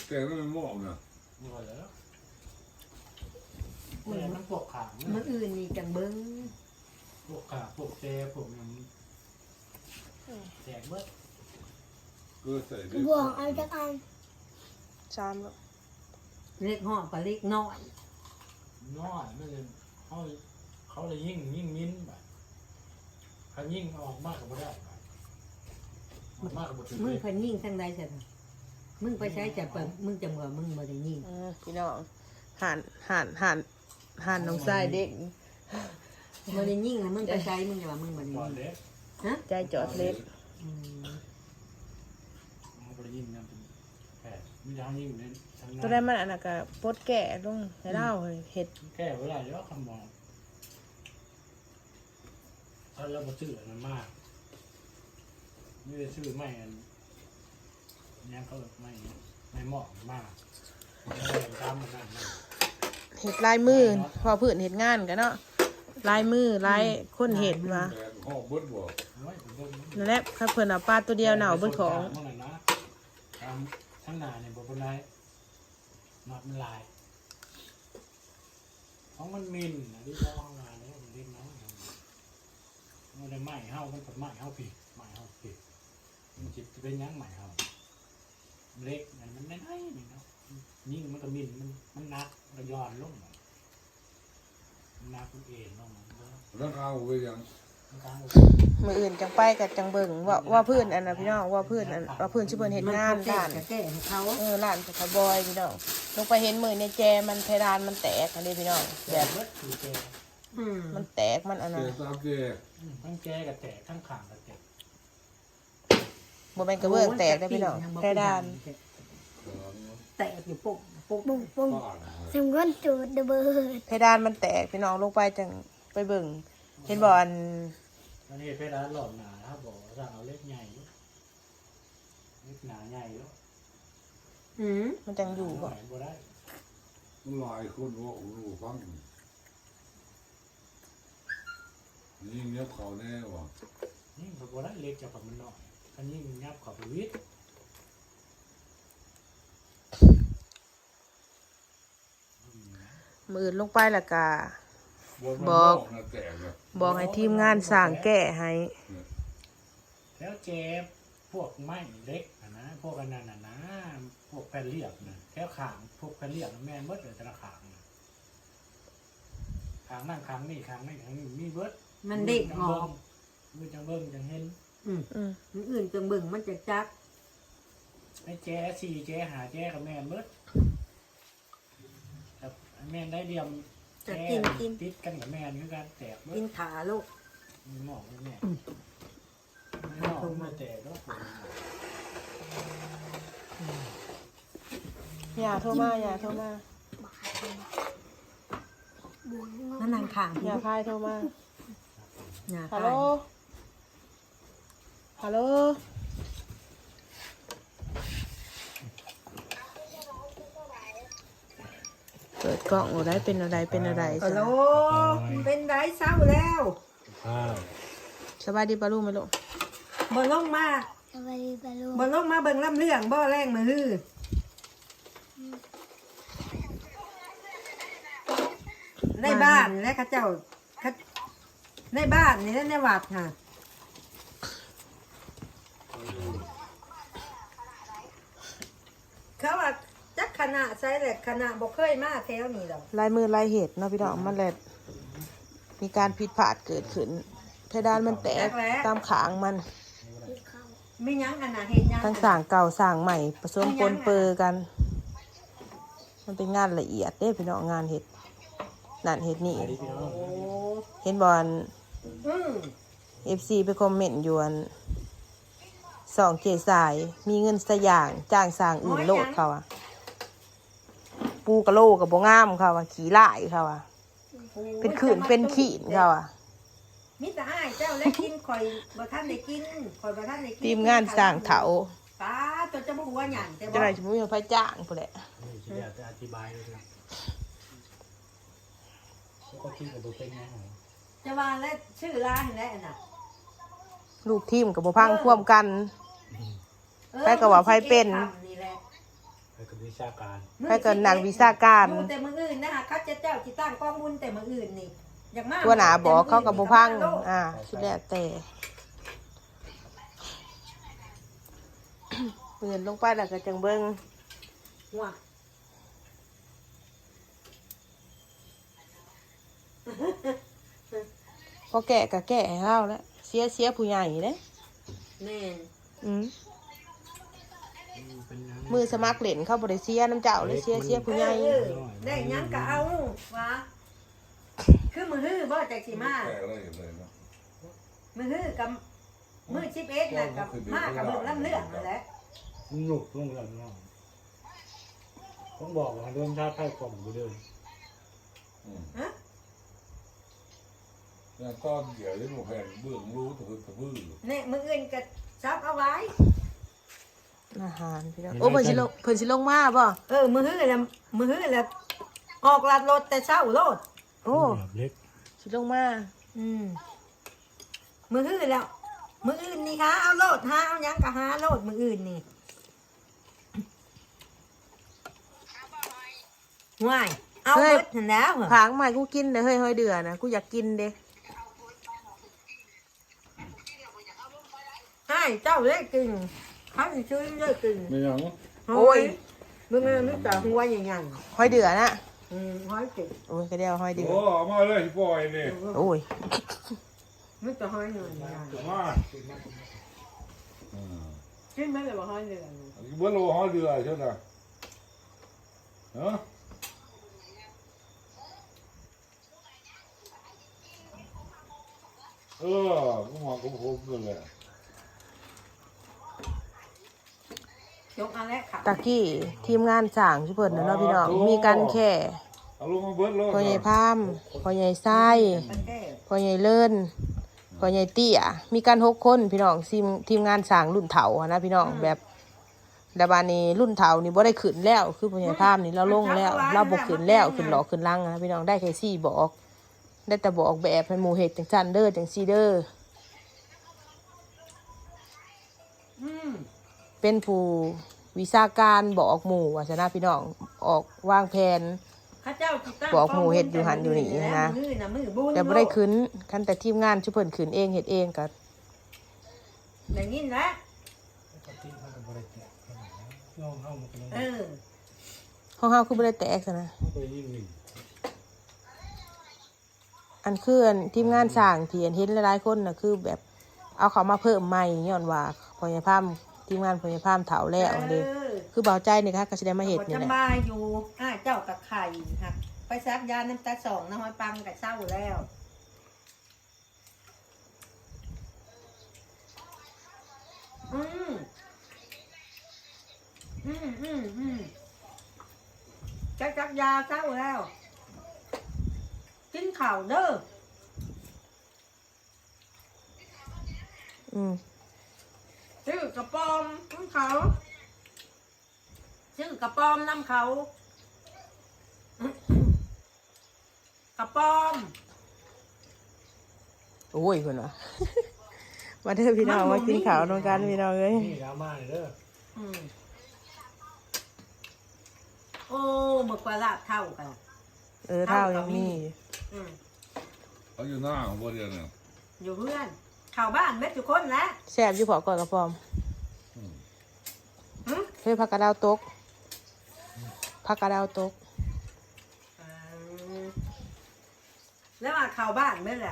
แต่ไม่มองนะนี่ก็แล้วแต่มันพวกขามื้ออื่นนี่จังเบิ่งพวกขาพวกเจพวกนั้นแจกเบิดก็ใส่ได้บวกเอาจากอันจามแล้วเล็กห่อกับเล็กน้อยน้อยไม่เลยเขาเลยยิ่งมิ้นแบบเขายิ่งออกมากกับไม่ได้ออกมากกับไม่ถึงมึงเลยเพิ่นยิงทางใดซะมึงไปใช้จะเปิดมึงจะเหมือมึงบ่ได้ยิงพี่น้องห่านน้องทรายเด็กบ่ได้ยิงนะมึงไปใช้มึงจะว่ามึงบ่ได้ก่อนยิงเล็กใจจอดเล็ดอืมมันไปยิ่งนั่นเป็นแผลมีทางยิ่งเน้นทางตัวได้มันอันนั้นก็ปดแก่ลงให้เล่าเห็ดแก้เวลาเยอะคำมองถ้าเราไปซื้อมันมากไม่ได้ซื้อไม่อันนี้เขาไม่เหมาะมากตามมันนั่นเห็ดลายมือพอพื้นเห็ดงานกันเนาะลายมือลายคนเห็ดมาแต่ห้องเบิดบ่นั่นแหละข้าเพิ่นเอาปลาตัวเดียวหนาวเบิดของทั้งหนาเนี่ยบอกเป็นไรมัดมันลายของมันมินนะที่เขาห้องงานเนี่ยมันเล่นน้อยมันได้ไหมเฮามันเป็นไหมเฮาผิดไหมเฮาผิดมันจิตจะเป็นยังไหมเฮาเล็กมันไม่ได้นี่เนาะยิ่งมันก็มินมันนักมันย้อนลงมันนักคุณเอ็นลงแล้วเอาไปยังมืออื่นจังไปกับจังเบิ่งว่าพื้นอันน่ะพี่น้องว่าพื้นอันว่าพื้นชื่อเพิ่นเห็ดงานด้าด้านจะแก้ให้เขาร้านสะบอยพี่น้องลงไปเห็นมือในแจมันเพดานมันแตกอันนี้พี่น้องแบแบบ บเบิดคือแกมันแตกมันอันแต่นั้นตามแกทั้งแกกับแตกทั้งขางกับแตกบ่แม่นกระเบื้องแตกได้อพี่น้องเพดานแตกอยู่ปุ๊บปุ๊บบุ้งปุ้งบ้านสมก้นจูดระเบิดเพดานมันแตกพี่น้องลงไปจังไปเบิ่งเห็นบ่อันอันนี้เพดานหลอดหนาถ้าบอกสั่งเอาเล็กใหญ่เล็กหนาใหญ่แล้วมันจังอยู่บ่บ่ได้หลายคนว่ารู้ฟังนี่เงียบเขาแน่ว่ะนี่เขาบ่ได้เล็กจากกับมันน้อยอันนี้งับเขอบไปวิทย์มืออื่นลงไปแล้วก็บอกให้ทีมงานสร้างแก้ให้แล้วเจ็บพวกไม้เล็กนะพวกอันนั้นนะพวกแผ่นเรียบนะแค่ขางพวกแผ่นเรียบแม่นเบิดเลยแต่ละขางขางนั่งขางนี่ขางนี่ขางนี่มีเบิดมันเด็กหอกมือจังเบิ่งจังเห็นมื้ออื่นจังเบิ่งมันจะจักไอ้แจ้สี่แจ้หาแจ้กับแม่เบิดแต่แม่ได้เดียมแจ้ติดกันกับแม่คือการแตกเบิกิดนขาลูกมีหมอกแม่ไม่หมอกมาแตกแล้วอย่าโทรมาบวกนั่นนางข้างอย่าพายโทรมาอย่าฮัลพาโหลยฮัลโหลเปิดกล้องอะไรเป็นอะไรฮัลโหลเป็นไรเศร้าแล้วสบายดีปะลูกไหมลูกบ่ลงมาสวัสดีปะลุงบ่ลงมาเบิ่งลำเรื่องบ่แรงมือฮือในบ้านและข้าเจ้าในบ้านนี่ในวัดค่ะเขาว่าจักคณะใช่แหละคณะบ่เคยมาแถวนี้ดอกลายมือลายเหตุเนาะพี่น้องมันเลยมีการผิดพลาดเกิดขึ้นเพดานมันแตกตามขางมันไม่ยั้งขนาดเห็นยังทั้งสร้างเก่าสร้างใหม่ผสมปนเปื้อกัน มันเป็นงานละเอียดเด้พี่น้องงานเห็ดนั่นเห็ดนี่โอ้เห็นบอลอืม FC ไปคอมเมนต์อยู่อันสองเจสายมีเงินสย่างจ้างสร้างอื่นโลดเขาอะปูกระโลกับโบงามเขาอะขี่ไล่เขาอะเป็นขื่นเป็นขีนเขาอะมิตรอ้ายเจ้าและกินข่อยบ่ทันได้กินข่อยบ่ทันได้กินทีมงานสร้างเถาตาตัวจะบ่หัวหยันแต่จะบ่ไหนจะไม่มีไฟจ้างพอแหละนี่จะจะอธิบายเลยนะก็คิดกับตัวเป็นไงจะว่าและชื่อร้านแล้วน่ะลูกทีมกับโบพังควมกัน ไปกับว่าไผเป็นนี่แหละไปกับคือวิชาการไปก่อนหนังวิชาการอยู่แต่มืออื่นนะคะเขาจะเจ้าจิตั้งกองบุญแต่มืออื่นนี่อยากมากตัวหนาบอกเขากับบุพังสุดแล้วแต่เปืนลงไปแล้วก็จังเบิ้งว่ะพอแก่ก็แก่ให้เขาแล้วเสียผู้ใหญ่เลยแม่นเป็นยังมือสมัครเล่นเข้าบริเสียน้ำเจ้าเลยเสียผู้ใหญ่ได้หยังก็เอาวะคือมือฮื้อบ่จากสิมาแก่เลยเลยเนาะมือฮื้อกับมือ11น่ะกับมากับมือลำเลือกนั่นแหละหนุกลงแล้วน้องต้องบอกว่าเรื่องชาติไทยกล่อมไปเลยฮะเนี่ยตอนเดี๋ยวที่หนูแผ่นเบื้องรู้ตะพื้นตะพื้นเนี่ยมืออื่นก็ซับเอาไว้อาหารพี่น้องโอ้เพิ่นสิลงมาบ่มือฮื้อแล้วออกลัดรถแต่เช้าโลดโอ้เล็กสิลงมามือฮื้อแล้วมืออื่นนี่หาเอาโลดหาเอาหยังก็หาโลดมืออื่นนี่ง่ายเอาเบิดนั่นแล้วเหรอผางใหม่กูกินเด้อเฮ้ยเดือนะกูอยากกินเด้ให้เจ้าเล็กกินเขาจะช่วยเล็กกินไม่ยังโอ้ยมึงนึกแต่หัวใหญ่หอยเดือนะๆห้อยกินโอ้ยก็เดียวหอยเดือโอ้เอามาเลยปล่อยนี่โอ้ยนึกแต่ห้อยหนึ่งมากินไม่เลยว่าห้อยหนึ่งเบื้องโลห้อยเรือใช่ไหมฮะกูมองกูโคตรเลยยกอันแรกค่ะตะกี้ทีมงานสั่งชุเพิ่นนะเนาะพี่น้องมีการแค่เอาลงมาเบิดเลยพ่อใหญ่พามพ่อใหญ่ไส้มันแก้พ่อใหญ่เลิ่นพ่อใหญ่เตี้ยมีการ6 คนพี่น้องทีมงานสั่งรุ่นเถาอะนะพี่น้องแบบดาบานี้รุ่นเถานี่บ่ได้ขึ้นแล้วคือพ่อใหญ่พามนี่เราลงแล้วเราบ่ขึ้นแล้วขึ้นหลอกขึ้นลังนะพี่น้องได้แค่4บอกได้แต่บอกแบบให้หมู่เฮ็ดจังซั่นเด้อจังซี่เด้อเป็นผู้วิชาการบอกหมู่ว่าซะนะพี่น้องออกวางแผนข้าเจ้าตั้งบอกหมู่เฮ็ดอยู่หันอยู่นี่นะมือบุญแต่บ่ได้ขึ้นคันแต่ทีมงานชุเพิ่นขึ้นเองเฮ็ดเองก็อย่างนี้นะปกติเขาจะบริจาคน้องเข้ามาเป็นห้องเฮาคือบ่ได้แตกซะนะเขาไปยิ่งหนึ่งอันคืออันทีมงานสร้างที่อันเห็นหลายๆคนน่ะคือแบบเอาเขามาเพิ่มใหม่ย้อนว่าพอยายพามทีมงานพอยายพามเฒ่าแล้วเด้คือเบาใจนี่ค่ะก็สิได้มาเฮ็ดนี่แหละสบายอยู่เจ้ากับไข่ค่ะไปซักยาน้ำตา2น้ำหอยปังกับเศร้าแล้วจักยาเศร้าแล้วกินข่าวเด้อชื่อกระปอมน้ำเขาชื่อกระปอมน้ำเขากระปอมโอ้ยเพิ่นว่า มาเด้อพี่น้องมากินข้าวนำกันพี่น้องเอ้ยนี่ดราม่าเลยเด้อโอ้หมึกปลาลาบเท่ากันเท่ายังมีเขาอยู่หน้าของพวกเดียวเนี่ยอยู่เพื่อนข่าวบ้านเม็ดทุกคนแล้วแซ่บอยู่พอก่อนกระปอมเฮ้ยผักกระดาวตกผักกระดาวตกแล้วมาข่าวบ้านเม็ดแหละ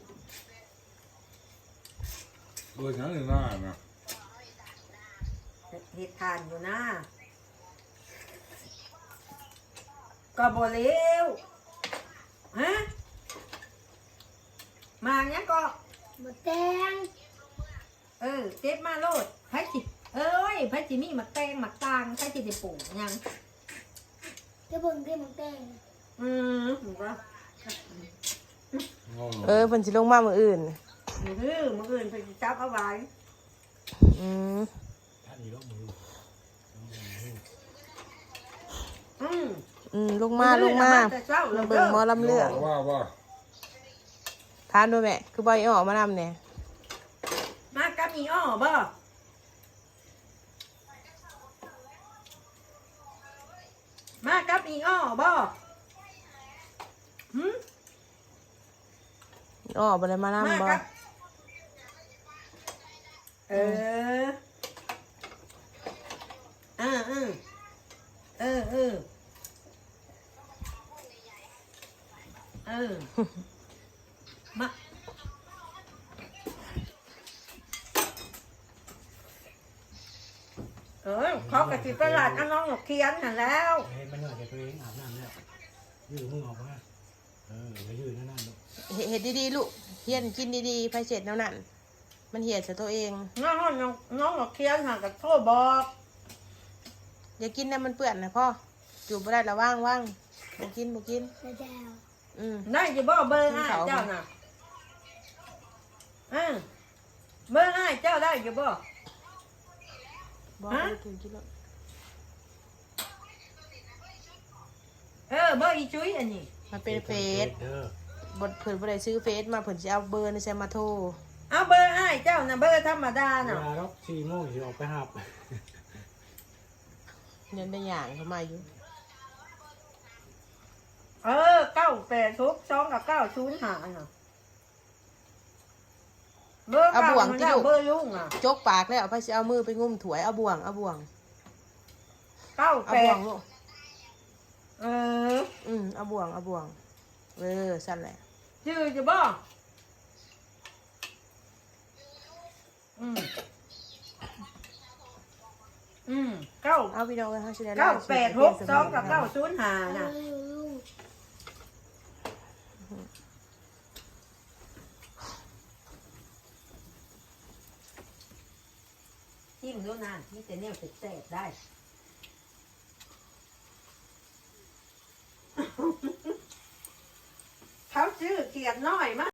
ฉันอยู่หน้านะเหตุการณ์อยู่นะก็บ่เลี้ยวฮะมาเนี้ยก็หมดแดงเจ็บมาโลดไผจิไผจิมีหมักแตงหมักตางไผจิได้ปลูกยังจะเบิ่งที่หมดแดงหมูก็เพิ่นสิลงมามื้ออื่นมืออื่นไปจับเอาไว้ท่านอีกแล้วมือลงมาแต่เช้ามาเบิ่งหมอลำเลืองว่าทานด้วยแม่คือบ่ออกมานำแน่มากับมีอ้อบ่อีอ้อบ่หืมอ้อบ่ได้มานํมาบ่ครับเออเออเออเออเออเออมาเขากระติบตลาดน้องหนกเคียนหันแล้วเห็นมันเหนื่อยตัวเองอาบน้ำแล้วยืดมึงออกมาไปยืดนั่นลูกเฮ็ดดีๆลูกเฮียนกินดีๆไผเสร็จแนวนั้นมันเหียดใส่ตัวเองน้องหนกเคียนหันกับโทษบอกอย่ากินนะมันเปื้อนนะพ่อจูบบ่ได้ระว่างบ่กินกระเดาได้จะบอกเบอร์อ้ายเจ้าน่ะเบอร์อ้ายเจ้าได้จะบอกบ่ได้กินแล้วเบอร์อีจุ้ยอันนี้มันเป็นเฟซบ่เพิ่นบ่ได้ซื้อเฟซมาเพิ่นสิเอาเบอร์นี่ใส่มาโทรเอาเบอร์อ้ายเจ้าน่ะเบอร์ธรรมดาเวน่ะลาเรา4 โมงสิออกไปหับเงินได้อย่างเข้ามาอยู่ 982กับ905น่ะเบอร์เก่ามันแล้วเบอร์ลุงอ่ะจกปากแล้วเอาไปสิเอามือไปงุ้มถ้วยเอาบ่วงเอาบ่วง 98 ลูกเอาบ่วงสั่นแหละชื่อจะบอก9 เอาพี่น้องกันเฮาสิได้ 982กับ905น่ะจิ้มด้วยนะนี่แต่เนี่ยเสร็จได้ เขาซื้อเกียดน้อยมาก